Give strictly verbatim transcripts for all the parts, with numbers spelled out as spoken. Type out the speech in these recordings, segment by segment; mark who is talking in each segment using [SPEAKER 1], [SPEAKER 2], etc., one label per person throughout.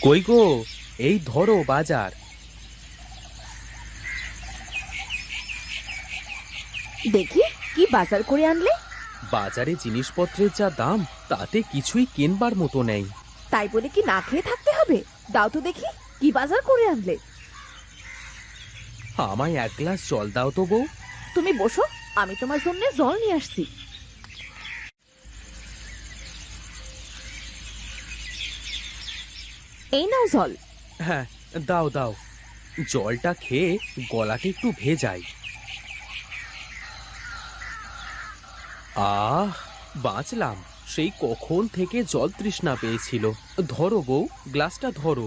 [SPEAKER 1] কই গো, এই ধরো বাজার।
[SPEAKER 2] দেখি কি বাজার করে আনলে।
[SPEAKER 1] বাজারে জিনিসপত্রের যা দাম, তাতে কিছুই কেনবার মতো নেই।
[SPEAKER 2] তাই বলে কি না খেয়ে থাকতে হবে? দাও তো দেখি কি বাজার করে আনলে।
[SPEAKER 1] আমায় এক গ্লাস জল দাও তো বউ।
[SPEAKER 2] তুমি বসো, আমি তোমার জন্য জল নিয়ে আসছি। এই নাও জল।
[SPEAKER 1] হ্যাঁ, দাও দাও। জলটা খেয়ে গলাটা একটু ভেজাই। আহ, বাঁচলাম। সেই কখন থেকে জল তৃষ্ণা পেয়েছিল। ধরো বউ, গ্লাসটা ধরো।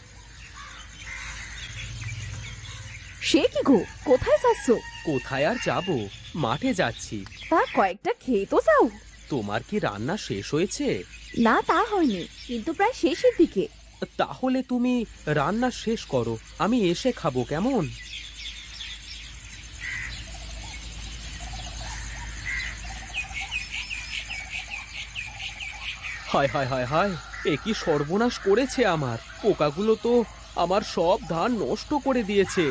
[SPEAKER 2] সে কি গো, কোথায় যাচ্ছ?
[SPEAKER 1] কোথায় আর যাব, মাঠে যাচ্ছি।
[SPEAKER 2] তা কয়েকটা খেয়ে তো যাও।
[SPEAKER 1] তোমার কি রান্না শেষ হয়েছে?
[SPEAKER 2] না, তা হয়নি, কিন্তু প্রায় শেষের দিকে।
[SPEAKER 1] তাহলে তুমি রান্না শেষ করো, আমি এসে খাবো কেমন? হায় হায় হায় হায়, এ কি সর্বনাশ করেছে আমার! পোকাগুলো তো আমার সব ধান নষ্ট করে দিয়েছে।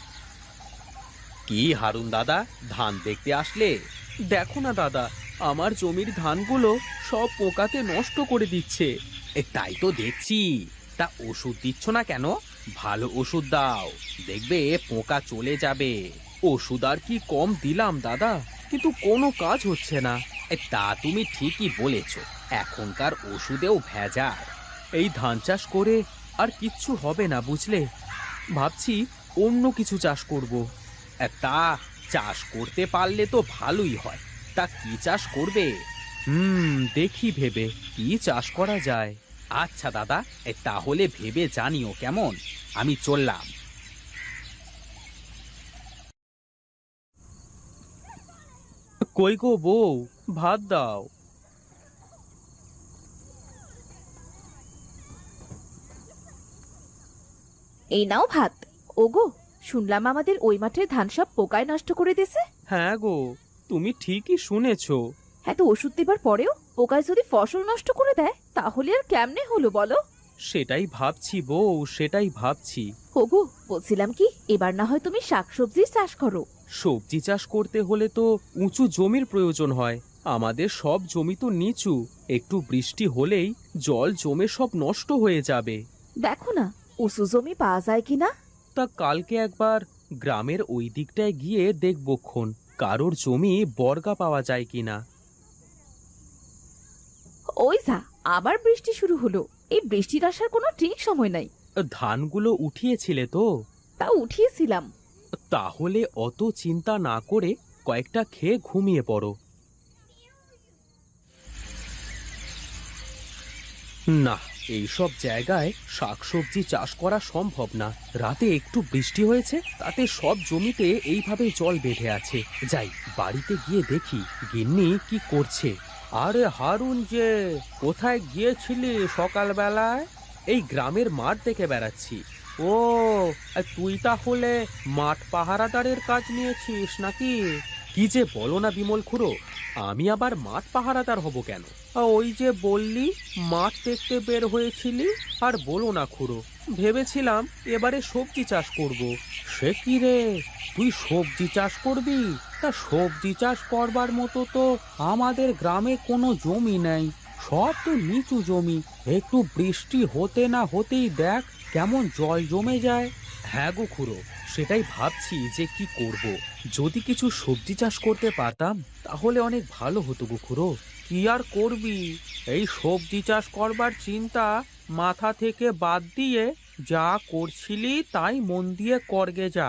[SPEAKER 1] কি হারুন দাদা, ধান দেখতে আসলে? দেখো না দাদা, আমার জমির ধানগুলো সব পোকাতে নষ্ট করে দিচ্ছে। এ তাই তো দেখছি। তা ওষুধ দিচ্ছ না কেন? ভালো ওষুধ দাও, দেখবে পোকা চলে যাবে। ওষুধ আর কি কম দিলাম দাদা, কিন্তু কোনো কাজ হচ্ছে না। এ তা তুমি ঠিকই বলেছ, এখনকার ওষুধেও ভেজাল। এই ধান চাষ করে আর কিচ্ছু হবে না বুঝলে। ভাবছি অন্য কিছু চাষ করব। তা চাষ করতে পারলে তো ভালোই হয়। তা কি চাষ করবে? হুম, দেখি ভেবে কি চাষ করা যায়। আচ্ছা দাদা, এ তাহলে ভেবে জানিও কেমন। আমি চললাম। কই গো বউ, ভাত দাও।
[SPEAKER 2] এই নাও ভাত। ওগো, শুনলাম আমাদের ওই মাঠের ধান সব পোকায় নষ্ট করে দিয়েছে।
[SPEAKER 1] হ্যাঁ গো, তুমি ঠিকই শুনেছো।
[SPEAKER 2] এত ওষুধ দেবার পরেও পোকায় যদি ফসল নষ্ট করে দেয়, তাহলে আর কেমনে হলো বলো?
[SPEAKER 1] সেটাই ভাবছি বউ, সেটাই ভাবছি।
[SPEAKER 2] ওগো, বলছিলাম কি, এবার না হয় তুমি শাকসবজির চাষ করো।
[SPEAKER 1] সবজি চাষ করতে হলে তো উঁচু জমির প্রয়োজন হয়। আমাদের সব জমি তো নিচু, একটু বৃষ্টি হলেই জল জমে সব নষ্ট হয়ে যাবে।
[SPEAKER 2] দেখো না, উঁচু জমি পাওয়া যায় কিনা।
[SPEAKER 1] তা কালকে একবার গ্রামের ওই দিকটায় গিয়ে দেখবক্ষণ কারোর জমি বর্গা পাওয়া যায় কিনা।
[SPEAKER 2] ওই যা, আবার বৃষ্টি শুরু হলো। এই বৃষ্টির আসার কোনো ঠিক সময় নাই।
[SPEAKER 1] ধানগুলো উঠিয়েছিলে তো?
[SPEAKER 2] তা উঠিয়েছিলাম।
[SPEAKER 1] তাহলে অত চিন্তা না করে কয়েকটা খেয়ে ঘুমিয়ে পড়ো। না, এইসব জায়গায় শাকসবজি চাষ করা সম্ভব না। রাতে একটু বৃষ্টি হয়েছে, তাতে সব জমিতে এইভাবে জল বেঁধে আছে। যাই, বাড়িতে গিয়ে দেখি গিন্নি কি করছে। আরে হারুন, যে কোথায় গিয়েছিলি সকালবেলায়? এই গ্রামের মাঠ দেখে বেড়াচ্ছি। ও, আর তুই তাহলে মাঠ পাহারাদারের কাজ নিয়েছিস নাকি? কি যে বলো না বিমল খুড়ো, আমি আবার মাঠ পাহারাদার হব কেন? আ, ওই যে বললি মাঠ দেখতে বের হয়েছিলি। আর বলো না খুড়ো, ভেবেছিলাম এবারে সবজি চাষ করব। সে কি রে, তুই সবজি চাষ করবি? তা সবজি চাষ করবার মতো তো আমাদের গ্রামে কোনো জমি নেই, সব তো নিচু জমি। একটু বৃষ্টি হতে না হতেই দেখ কেমন জল জমে যায়। হ্যাঁ গো খুড়ো, সেটাই ভাবছি যে কি করব। যদি কিছু সবজি চাষ করতে পারতাম তাহলে অনেক ভালো হতো গো খুড়ো। কি আর করবি, এই সবজি চাষ করবার চিন্তা মাথা থেকে বাদ দিয়ে যা করছিলি তাই মন দিয়ে করগে যা।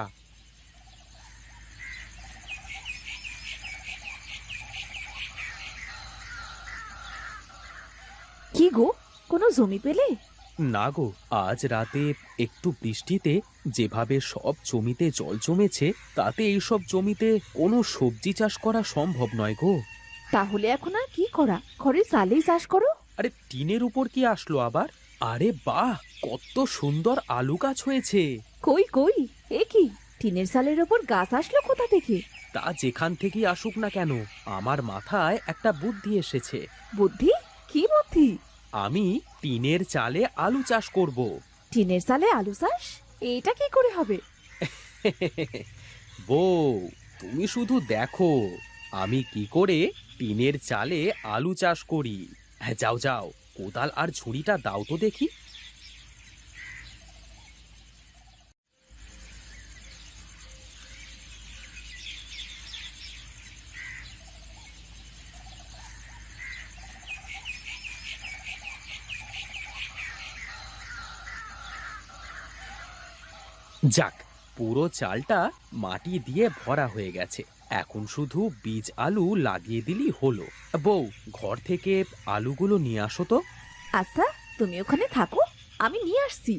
[SPEAKER 2] কি গো, কোনো জমি পেলে?
[SPEAKER 1] না গো, আজ রাতে একটু বৃষ্টিতে যেভাবে সব জমিতে জল জমেছে, তাতে এইসব জমিতে কোনো সবজি চাষ করা সম্ভব নয় গো।
[SPEAKER 2] তাহলে এখন আর কি করা, ঘরে চালেই চাষ করো।
[SPEAKER 1] আরে টিনের উপর কি আসলো আবার? আরে বাহ, কত সুন্দর আলু গাছ হয়েছে।
[SPEAKER 2] কই কই, এ কি, টিনের চালের ওপর গাছ আসলো কোথা থেকে?
[SPEAKER 1] তা যেখান থেকেই আসুক না কেন, আমার মাথায় একটা বুদ্ধি এসেছে।
[SPEAKER 2] বুদ্ধি? কি বুদ্ধি?
[SPEAKER 1] আমি টিনের চালে আলু চাষ করব।
[SPEAKER 2] টিনের চালে আলু চাষ? এটা কি করে হবে?
[SPEAKER 1] বউ, তুমি শুধু দেখো আমি কি করে টিনের চালে আলু চাষ করি। হ্যাঁ, যাও যাও, কোদাল আর ঝুড়িটা দাও তো দেখি। যাক, পুরো চালটা মাটি দিয়ে ভরা হয়ে গেছে। এখন শুধু বীজ আলু লাগিয়ে দিলেই হলো। বউ, ঘর থেকে আলুগুলো নিয়ে আসো তো।
[SPEAKER 2] আচ্ছা, তুমি ওখানে থাকো, আমি নিয়ে আসছি।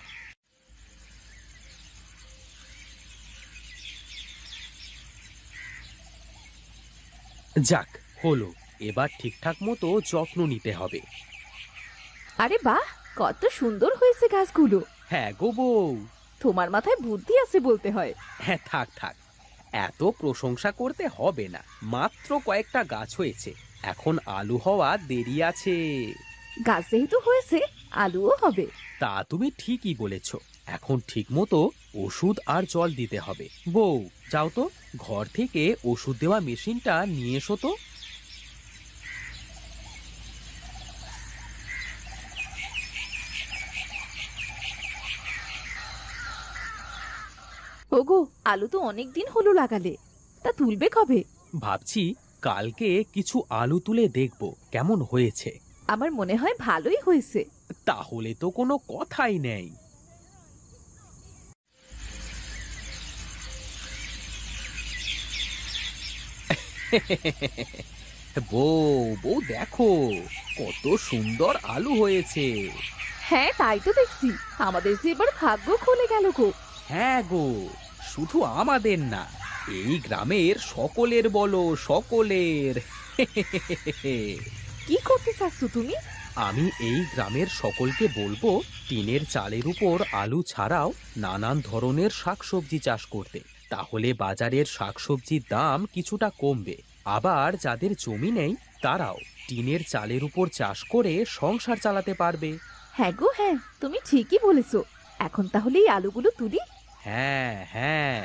[SPEAKER 1] যাক, হলো। এবার ঠিকঠাক মতো যত্ন নিতে হবে।
[SPEAKER 2] আরে বাহ, কত সুন্দর হয়েছে গাছগুলো।
[SPEAKER 1] হ্যাঁ গো বউ।
[SPEAKER 2] তোমার মাথায় বুদ্ধি আছে বলতে হয়।
[SPEAKER 1] হ্যাঁ, থাক থাক, এত প্রশংসা করতে হবে না। মাত্র কয়েকটা গাছ হয়েছে, এখন আলু হওয়া দেরি আছে।
[SPEAKER 2] গাছ যেহেতু হয়েছে, আলুও হবে।
[SPEAKER 1] তা তুমি ঠিকই বলেছ। এখন ঠিক মতো ওষুধ আর জল দিতে হবে। বউ, যাও তো, ঘর থেকে ওষুধ দেওয়া মেশিনটা নিয়ে এসো তো।
[SPEAKER 2] ওগো, আলু তো অনেক দিন হলো লাগালে, তা তুলবে কবে?
[SPEAKER 1] ভাবছি কালকে কিছু আলু তুলে দেখব কেমন হয়েছে।
[SPEAKER 2] আমার মনে হয় ভালোই হয়েছে।
[SPEAKER 1] তাহলে তো কোনো কথাই নেই। বউ, বউ দেখো, কত সুন্দর আলু হয়েছে।
[SPEAKER 2] হ্যাঁ, তাই তো দেখছি। আমাদের যে এবার ভাগ্য খুলে গেল গো।
[SPEAKER 1] হ্যাঁ গো, শুধু আমাদের না, এই গ্রামের সকলের বলো, সকলের।
[SPEAKER 2] কি করতে চাচ্ছ তুমি?
[SPEAKER 1] আমি এই গ্রামের সকলকে বলবো টিনের চালের উপর আলু ছাড়াও নানান ধরনের শাকসবজি চাষ করতে। তাহলে বাজারের শাকসবজির দাম কিছুটা কমবে। আবার যাদের জমি নেই তারাও টিনের চালের উপর চাষ করে সংসার চালাতে পারবে।
[SPEAKER 2] হ্যাঁ গো, হ্যাঁ, তুমি ঠিকই বলেছো। এখন তাহলে এই আলুগুলো তুলি।
[SPEAKER 1] হ্যাঁ হ্যাঁ,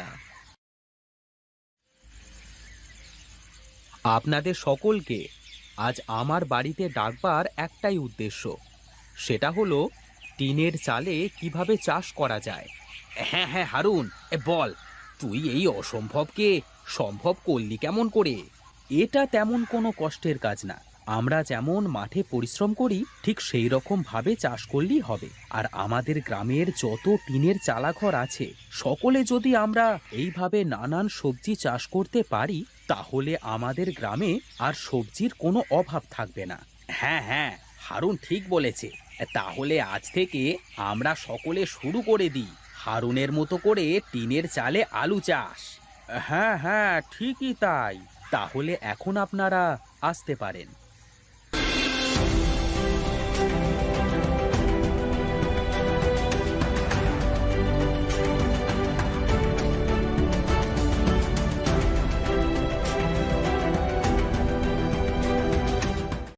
[SPEAKER 1] আপনাদের সকলকে আজ আমার বাড়িতে ডাকবার একটাই উদ্দেশ্য। সেটা হলো টিনের চালে কিভাবে চাষ করা যায়। হ্যাঁ হ্যাঁ হারুন, এ বল, তুই এই অসম্ভবকে সম্ভব করলি কেমন করে? এটা তেমন কোনো কষ্টের কাজ না। আমরা যেমন মাঠে পরিশ্রম করি ঠিক সেই রকম ভাবে চাষ করলেই হবে। আর আমাদের গ্রামের যত টিনের চালাঘর আছে সকলে যদি আমরা এইভাবে নানান সবজি চাষ করতে পারি তাহলে আমাদের গ্রামে আর সবজির কোনো অভাব থাকবে না। হ্যাঁ হ্যাঁ, হারুন ঠিক বলেছে। তাহলে আজ থেকে আমরা সকলে শুরু করে দিই হারুনের মতো করে টিনের চালে আলু চাষ। হ্যাঁ হ্যাঁ, ঠিকই তাই। তাহলে এখন আপনারা আসতে পারেন।